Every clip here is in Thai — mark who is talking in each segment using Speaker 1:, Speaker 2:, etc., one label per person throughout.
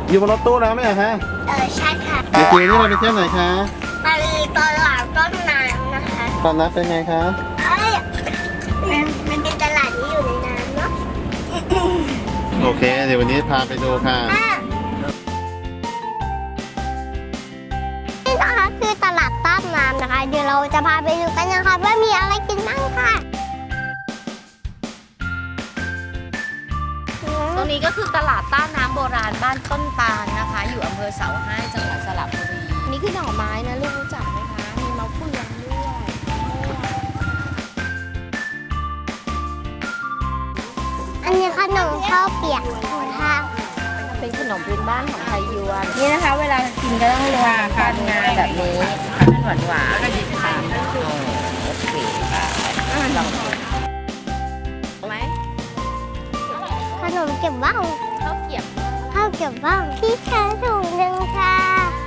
Speaker 1: อยู่บนรถตู้แล้วไหมอะคะ
Speaker 2: ใช่ค่ะ
Speaker 1: เด็กๆนี่เราไปเที่ยวไหนคะ
Speaker 2: ไปตลาดต้นน้ำนะคะ
Speaker 1: ตอนนั้นเป็นไงคะ
Speaker 2: มันเป็นตลาดที่อยู่ในน้ำเนาะ
Speaker 1: โอเค เดี๋ยววันนี้พาไปดูค่ะ
Speaker 2: นี่นะคะคือตลาดต้นน้ำนะคะ เดี๋ยวเราจะพาไปดูกันนะคะว่ามีอะไรกินบ้างค่ะ
Speaker 3: ตรงนี้ก็คือตลาดต้านน้ำโบราณบ้านต้นตาลนะคะ อยู่อำเภอเสาให้จังหวัดสระบุรีนี่คือหน่อไม้นะลูกรู้จักไหมคะ มีมะเฟืองด้วย
Speaker 2: อันนี้ขนมข้าวเปียกค่ะ
Speaker 3: เป็นขนมพื้นบ้านของไทยยวนนี่นะคะ เวลากินก็ต้องรวมกันงาแบบนี้หวานหวานแล้วก็ดิบค่ะโอเคค่ะลองดูไหม
Speaker 2: ขนมเก็บว่าว
Speaker 3: ข้าวเกี๊ยว
Speaker 2: ข้าวเก็บว่าวที่แค่ถุงหนึ่งค่ะ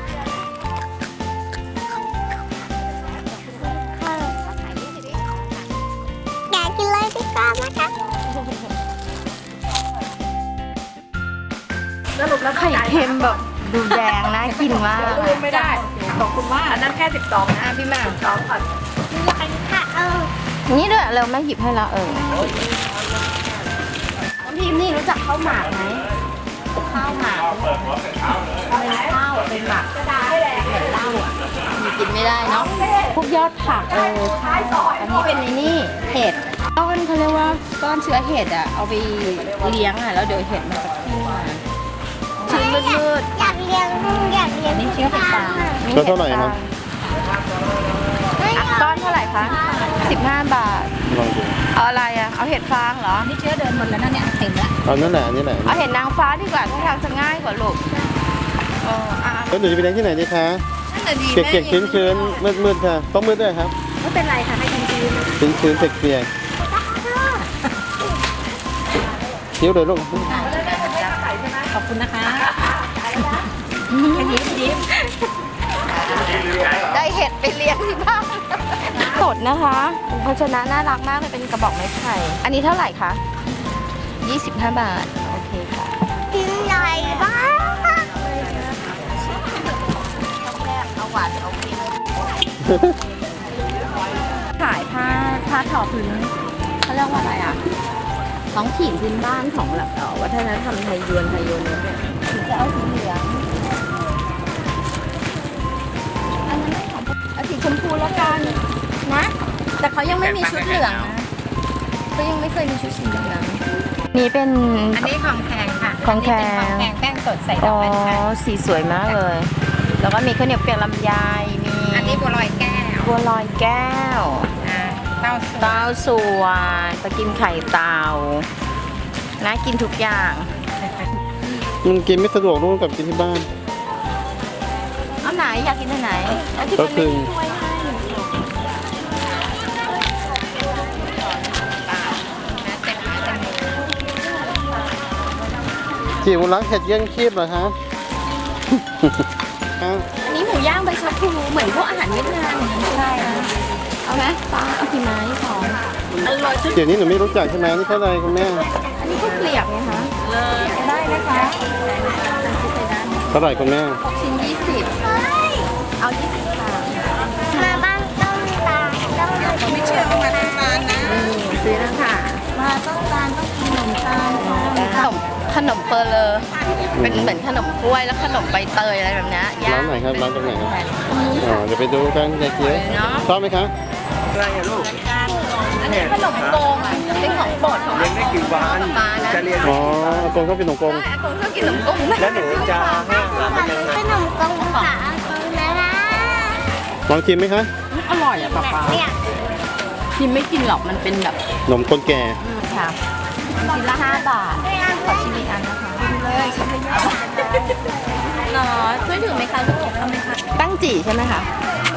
Speaker 2: แกะกินเลยดีกว่านะคะ
Speaker 3: ไข่เค็มแบบดูแดงน่ากินมาก
Speaker 4: ไม่ได้ ขอบคุณมากอันนั้นแค่12นะพี่แม่12ก่อน
Speaker 2: ค่ะ
Speaker 3: นี่ด้วยเราไม่หยิบให้เราน้ำพิมนี่รู้จักข้าวหมากไหมข้าวหมากเป็นข้าวเป็นหมากเหมือนเหล้าอ่ะมีกินไม่ได้เนาะพวกยอดผักใช่อันนี้เป็นในนี่เห็ดเขาเรียกว่าก้อนเชื้อเห็ดอ่ะเอาไปเลี้ยงอ่ะแล้วเดี๋ยวเห็ดมันจะขึ้นมาชื้นมืด
Speaker 2: อยากเลี้ยงนี่เชื้อเป็นปลา
Speaker 1: ก็เท่าไหร่ครับ
Speaker 3: ก้อนเท่าไหร่คะ15 บาท
Speaker 1: ลองดู
Speaker 3: เอาอะไรอ่ะเอาเห็ดฟางเหรอ
Speaker 4: นี่เชื้อเดินหมดแล้วนะเนี่ยเต็มแล้ว
Speaker 1: เอานั่นแหละอันนี่แหละ
Speaker 3: เอาเห็ดนางฟ้าดีกว่าถ้าทางจะง่ายกว่าลูกอ่ะ
Speaker 1: แล้วหนูจะไปเลี้ยงที่ไหนดีคะ
Speaker 3: นั่นแหละดี
Speaker 1: เปียกๆชื้นๆมืดๆค่ะต้องมืดด้วยครับ
Speaker 4: ไม่เป็นไรค่ะให้กันจีน
Speaker 1: ชื้นๆเปียกๆคิ้วเลยลูก
Speaker 4: ขอบคุณนะคะยิ้ม
Speaker 3: ได้เห็ดไปเลี้ยงที่บ้านสดนะคะภาชนะน่ารักมากเลยเป็นกระบอกไม้ไผ่อันนี้เท่าไหร่คะ25 บาทโอเคค่ะ
Speaker 2: กินหน่อยบ้าง
Speaker 3: เอาหวานเอาเค็มขายผ้าทอพื้นเขาเรียกว่าอะไรอ่ะท้องถิ่นพื้นบ้านของหลักวัฒนธรรมไทยยวนเนี่ยถึงจะเอาสีเหลืองอันนั้นไม่ของเอาสีชมพูแล้วกันนะแต่เขายังไม่มีชุดเหลืองนะเขายังไม่เคยมีชุดสีเหลืองนี่เป็น
Speaker 4: อันนี้ของแพงค่ะ
Speaker 3: ของแพง
Speaker 4: ของแพงแป้งสดใส่ด
Speaker 3: อ๋
Speaker 4: อ
Speaker 3: อก
Speaker 4: อัญชัน
Speaker 3: สีสวยมากเลย แล้วก็มีข้าวเหนียวเปียกลำไยมี
Speaker 4: อันนี้บัวลอยแก้ว
Speaker 3: บัวลอยแก้ว
Speaker 4: เต้าส่วน
Speaker 3: เต้าส่วนปลากิมไข่เต่าน่ากินทุกอย่าง
Speaker 1: มันกินไม่สะดวกลูกกับกินที่บ้าน
Speaker 3: เอาไหนอยากกินอันไหนเอาที่
Speaker 1: ก็
Speaker 3: มัน
Speaker 1: คื
Speaker 3: ไม่
Speaker 1: อ
Speaker 3: ช่วยให้
Speaker 1: จิ๋วรักเห็ดเยี่ยงคีบเหรอคะ
Speaker 3: อันนี้หมูย่างใบชะพูเหมือนพวกอาหารเวียดนามอย่างนี้ใช่นะเอาไหมป้าเอากี่ไม้สองอร่อยสุด
Speaker 1: เดี๋ยวนี้หนูไม่รู้จักใช่ไหมนี่เท่าไหร่คุณแม่
Speaker 3: อันนี้ข้าวเกลียบไงคะได้นะคะ
Speaker 1: เท่าไหร่คุณแม่
Speaker 3: 6 ชิ้น 20เอา20ค่ะ
Speaker 2: มาบ้านต้นตาลต้องมากิน
Speaker 4: ไม่เชื่อว่ามาที่ร้านนะ
Speaker 3: นี่ซื้อแล้วค่ะ
Speaker 2: มาต้นตาลต้องกินขนมตาล
Speaker 3: ขนมเปอร์เลอเป็นเหมือนขนมกล้วยแล้วขนมใบเตยอะไรแบบนี้ย่า
Speaker 1: ร้าง นไหนครับร้านตรงไหนครับอ๋อเดี๋ยวไปดูกันยายเจี๊ยบชอบไหมคะ
Speaker 3: อันนี้ขนมโกงอ่ะเป็นของโปรดของ
Speaker 5: เรียนได้กี่วัน
Speaker 3: ป้านะ
Speaker 5: จะเรียน
Speaker 1: อ๋ออากงก็เป็นหนงกง
Speaker 3: ใช่อากงชอบกินขนมโกง
Speaker 5: แล้วหนูจะให้อาหารมันยังไง
Speaker 2: ขนมกงค่ะนะคะ
Speaker 1: ลองชิมไหมคะ
Speaker 3: อร่อยอ่ะป้าป้า
Speaker 2: เนี่ย
Speaker 3: พิมไม่กินหรอกมันเป็นแบบ
Speaker 1: หนมคนแก่
Speaker 3: ค่ะชิ้นละ5 บาทขอชิมอีกอันนะคะเลยชิมเลยเนาะช่วยถือไหมคะลูกทำไหมคะตั้งจี่ใช่ไหมคะ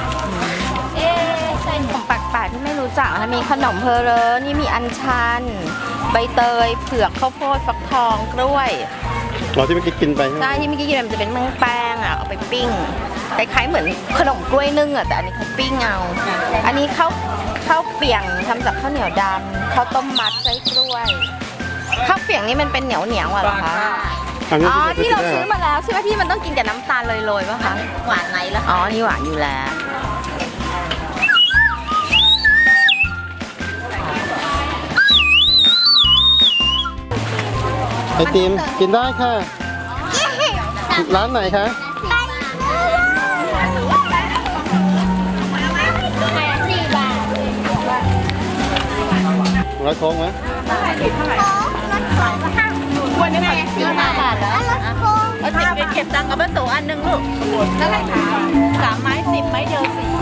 Speaker 3: ใช่ของแปลกๆที่ไม่รู้จักนะมีขนมเพอเรอนี่มีอัญชัน ใบเตยเผือกข้าวโพดฟักทองกล้วย
Speaker 1: เราที่เมื่อกี้กินไปใช่ไหม
Speaker 3: ใช่ที่เมื่อกี้กินมันจะเป็นแป้งอ่ะเอาไปปิ้งคล้ายๆเหมือนขนมกล้วยนึ่งอ่ะแต่อันนี้เขาปิ้งเอาอันนี้ข้าวเปียงทำจากข้าวเหนียวดำข้าวต้มมัดไส้กล้วยข้าวเปียงนี่มันเป็นเหนียวอ่ะเหรอคะ
Speaker 1: อันนี้
Speaker 3: อ๋อที่เรา
Speaker 1: ได้
Speaker 3: ซื้อ
Speaker 1: ห
Speaker 3: มาแล้วใช่ไหมที่มันต้องกินกับน้ำตาลโรยๆป่ะคะ
Speaker 4: หวานไหนล่ะ
Speaker 3: อ๋อนี่หวานอยู่แล้ว
Speaker 1: ไอติมกินได้ค่ะ ร้านไหนคะร้อยโค้งไหม
Speaker 3: วันนี้45 บาทแล้ว
Speaker 4: เอาสิบเก็บตังค์กับป้าโสอันหนึ่งลูกเท่าไหร่คะ3 ไม้ 10 ไม้เดียว10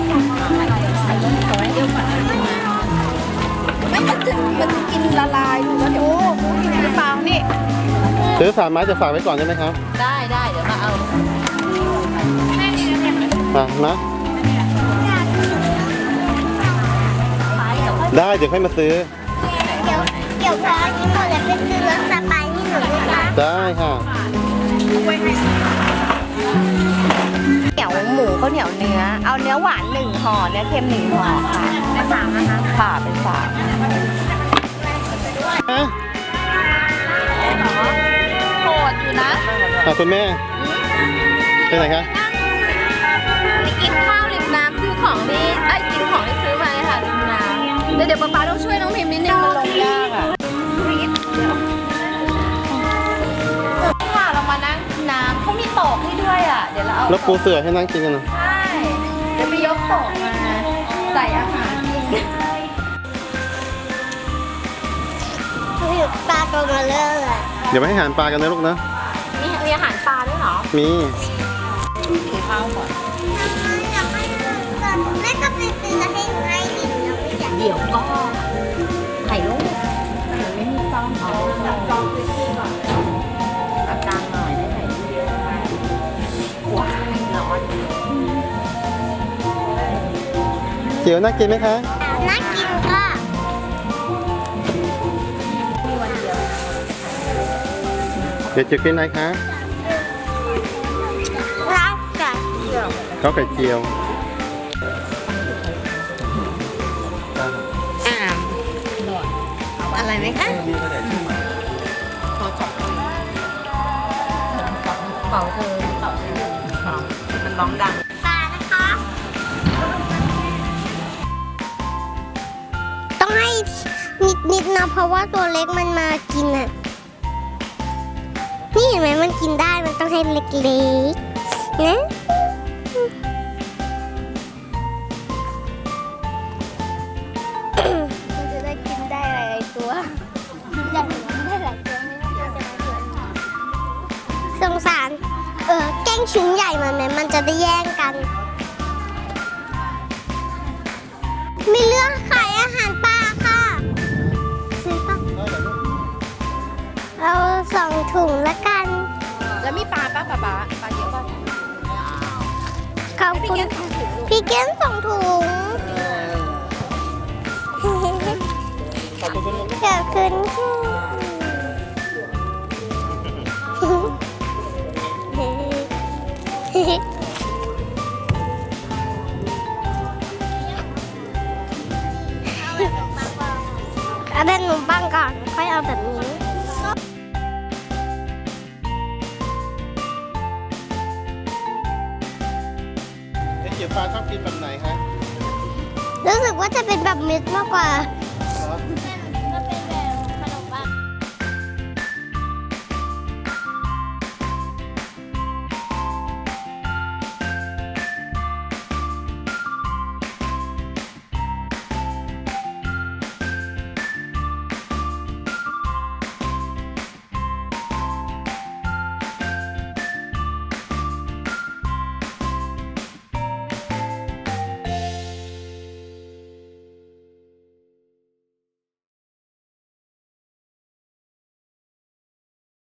Speaker 4: ไม่มันจะกินละลายดูแล้วเดี๋ยวกินหรือเปล่านี่
Speaker 1: ซื้อ3 ไม้จะฝากไว้ก่อนได้ไหมครับ
Speaker 4: ได้เดี๋ยวมาเอา
Speaker 1: นะได้เดี๋ยวค่อยมาซื้อ
Speaker 2: เดี๋ยวพออันนี้หมดแล้วไปซื้อรถสไปร์ให้หนูนะคะ
Speaker 1: ได้ค่ะ
Speaker 3: เหนียวหมูข้าวเหนียวเนื้อ เอาเนื้อหวาน1ห่อเนื้อเค็ม1ห่อค่ะเป็น3นะคะค่ะเป็น3โหดอยู่นะ
Speaker 1: คุณแม่ไปไหนคะ
Speaker 3: ไปกินข้าวริมน้ำซื้อของที่กินของที่ซื้อมาเลยค่ะริมน้ำเดี๋ยวป๊าต้องช่วยน้องพิมพ์นิดนึงมันลงยากอ่ะค่ะเรามานั่งน้ำเขามีโต๊ะให้ด้วยอ่ะเดี๋ยวเราเอา
Speaker 1: แล้วปูเสือให้นั่งกินกันนะ
Speaker 3: ใช่เดี๋ยวไปยกโต๊ะมาใส่อาหารกิน
Speaker 2: ปลาตัวมาเรื่อยเลย
Speaker 1: เดี๋ยวไปให้อาหารปลากันนะลูกนะ
Speaker 3: มีอาหารปลาด้วยเหรอ
Speaker 1: มี
Speaker 3: ข้าวก่อน
Speaker 2: อยากให้แม่ก็ไปซื้อแล้วให้ให้ดินแล้วไม่อยาก
Speaker 3: เดี๋ยวก็ถ่ายรูปไม่มีซ่อมเอากล้องพื้นที่ก่อนเอากลางหน่อยได้ถ่ายรูปเยอะมากว้ายร้อน
Speaker 1: เจียวน่ากินไหมคะ
Speaker 2: น่ากินค่ะ
Speaker 1: เดี๋ยวจะกินอะไรคะ
Speaker 2: รักกัน
Speaker 1: ข้าวไข่เจียว
Speaker 3: อะไรไหมคะเป่าเธอมันร้องดัง
Speaker 2: ปลานะคะ ต้องให้นิดๆนะเพราะว่าตัวเล็กมันมากินอ่ะ นี่เห็นไหมมันกินได้มันต้องให้เล็กๆนะมันจะได้กินได้หลายๆตัวอยากกินได้หลายตัวสงสารแกล้งชิ้นใหญ่มันไหมมันจะได้แย่งกันมีเรื่องขายอาหารปลาค่ะซื้อปะเอา2 ถุงละกัน
Speaker 4: แล้วมีปลาป้าปลาเยอะป่ะ
Speaker 2: ขอบคุณพี่เก้น2 ถุงขอบคุณเอาแบบขนมปังก่อนค่อยเอาแบบนี้
Speaker 1: ไอเจียวปลาชอบกินแบบไหนคะ
Speaker 2: รู้สึกว่าจะเป็นแบบเม็ดมากกว่า
Speaker 1: เหรอ